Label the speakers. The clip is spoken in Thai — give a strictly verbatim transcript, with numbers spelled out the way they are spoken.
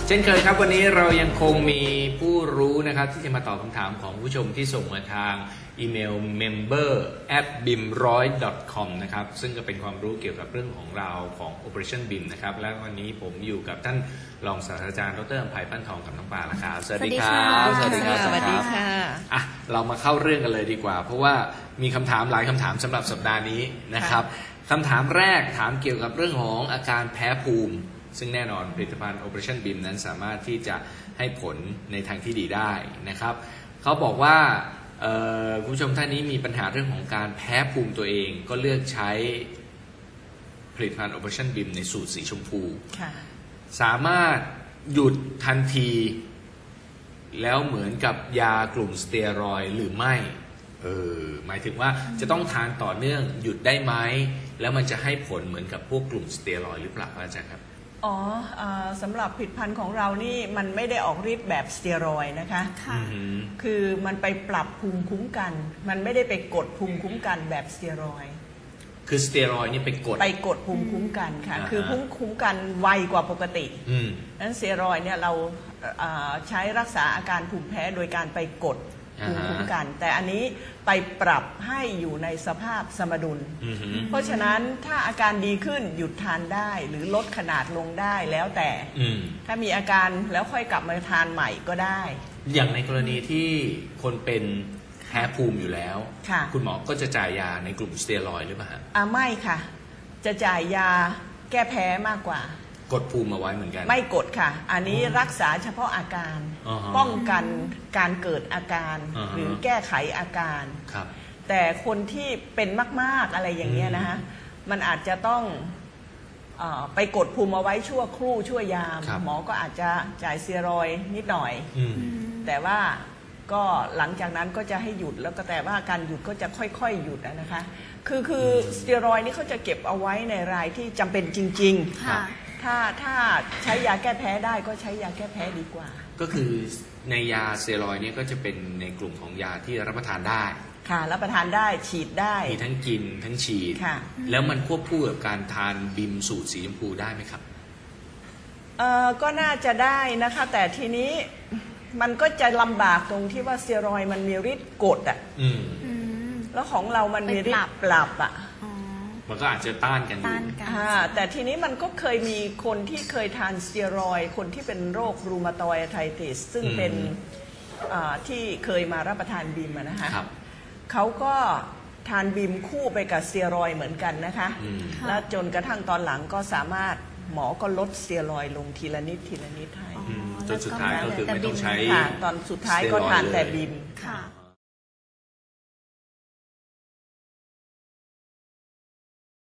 Speaker 1: เช่นเคยครับวันนี้เรายังคงมีผู้รู้นะครับที่จะมาตอบคำถามของผู้ชมที่ส่งมาทางอีเมล member at bim หนึ่งร้อย ดอท คอม นะครับซึ่งก็เป็นความรู้เกี่ยวกับเรื่องของเราของ Operation บี ไอ เอ็ม นะครับและวันนี้ผมอยู่กับท่านรองศาสตราจารย์ดร.อภัยปั้นทองกับน้องปลาละครับสวัสดีครับ
Speaker 2: สวัสดีครับสวัสดีค่ะ
Speaker 1: อ่ะเรามาเข้าเรื่องกันเลยดีกว่าเพราะว่ามีคำถามหลายคำถามสำหรับสัปดาห์นี้นะครับคำถามแรกถามเกี่ยวกับเรื่องของอาการแพ้ภูมิซึ่งแน่นอนผลิตภัณฑ์ Operation บี ไอ เอ็ม นั้นสามารถที่จะให้ผลในทางที่ดีได้นะครับเขาบอกว่าคุณผู้ชมท่านนี้มีปัญหาเรื่องของการแพ้ภูมิตัวเองก็เลือกใช้ผลิตภัณฑ์ Operation บี ไอ เอ็ม ในสูตรสีชมพูสามารถหยุดทันทีแล้วเหมือนกับยากลุ่มสเตียรอยด์หรือไม่เออหมายถึงว่าจะต้องทานต่อเนื่องหยุดได้ไหมแล้วมันจะให้ผลเหมือนกับพวกกลุ่มสเตียรอยด์หรือเปล่าอาจารย์ครับ
Speaker 2: อ๋อสำหรับผลิตภัณฑ์ของเรานี่มันไม่ได้ออกฤทธิ์แบบสเตียรอยด์นะคะคือมันไปปรับภูมิคุ้มกันมันไม่ได้ไปกดภูมิคุ้มกันแบบสเตียรอยด์
Speaker 1: คือสเตียรอยด์นี่ไปกด
Speaker 2: ไปกดภูมิคุ้มกันค่ะคือภูมิคุ้มกันไวกว่าปกตินั้นสเตียรอยด์เนี่ยเราใช้รักษาอาการภูมิแพ้โดยการไปกดภูมิคุ้มกันแต่อันนี้ไปปรับให้อยู่ในสภาพสมดุลเพราะฉะนั้นถ้าอาการดีขึ้นหยุดทานได้หรือลดขนาดลงได้แล้วแต่ถ้ามีอาการแล้วค่อยกลับมาทานใหม่ก็ได้
Speaker 1: อย่างในกรณีที่คนเป็นแพ้ภูมิอยู่แล้วคุณหมอก็จะจ่ายยาในกลุ่มสเตียรอยด์หรือเปล่า
Speaker 2: อ่าไม่ค่ะจะจ่ายยาแก้แพ้มากกว่
Speaker 1: ากดภูมิมาไว้เหมือนกัน
Speaker 2: ไม่กดค่ะอันนี้รักษาเฉพาะอาการ uh-huh. ป้องกันการเกิดอาการ uh-huh. หรือแก้ไขอาการแต่คนที่เป็นมากๆอะไรอย่างเงี้ยนะฮะมันอาจจะต้องเอ่อไปกดภูมิเอาไว้ชั่วครู่ชั่วยามหมอก็อาจจะจ่ายสเตียรอยด์นิดหน่อยแต่ว่าก็หลังจากนั้นก็จะให้หยุดแล้วก็แต่ว่าการหยุดก็จะค่อยๆหยุดนะคะคือคือสเตียรอยด์นี่เขาจะเก็บเอาไว้ในรายที่จำเป็นจริงๆถ้าถ้าใช้ยาแก้แพ้ได้ก็ใช้ยาแก้แพ้ดีกว่า
Speaker 1: ก็คือในยาสเตียรอยด์นี่ก็จะเป็นในกลุ่มของยาที่รับประทานได้
Speaker 2: ค่ะรับประทานได้ฉีดได้
Speaker 1: มีทั้งกินทั้งฉีดแล้วมันควบคู่กับการทานบิมสูตรสีชมพูได้ไหมครับ
Speaker 2: เอ่อก็น่าจะได้นะคะแต่ทีนี้มันก็จะลำบากตรงที่ว่าสเตียรอยด์มันมีฤทธิ์กดอ่ะแล้วของเรามันมีฤทธิ์ปรับอ่ะ
Speaker 1: มันก็อาจจะต้านกันอยู่
Speaker 2: แต่ทีนี้มันก็เคยมีคนที่เคยทานสเตียรอยด์คนที่เป็นโรครูมาตอยด์ไอติสซึ่งเป็นที่เคยมารับประทานบีมนะคะเขาก็ทานบีมคู่ไปกับสเตียรอยด์เหมือนกันนะคะแล้วจนกระทั่งตอนหลังก็สามารถหมอก็ลดสเตียรอยด์ลงทีละนิดทีละนิดให้
Speaker 1: จนสุดท้ายก็คือไม่ต้องใช้
Speaker 2: ตอนสุดท้ายก็ทานแต่บีม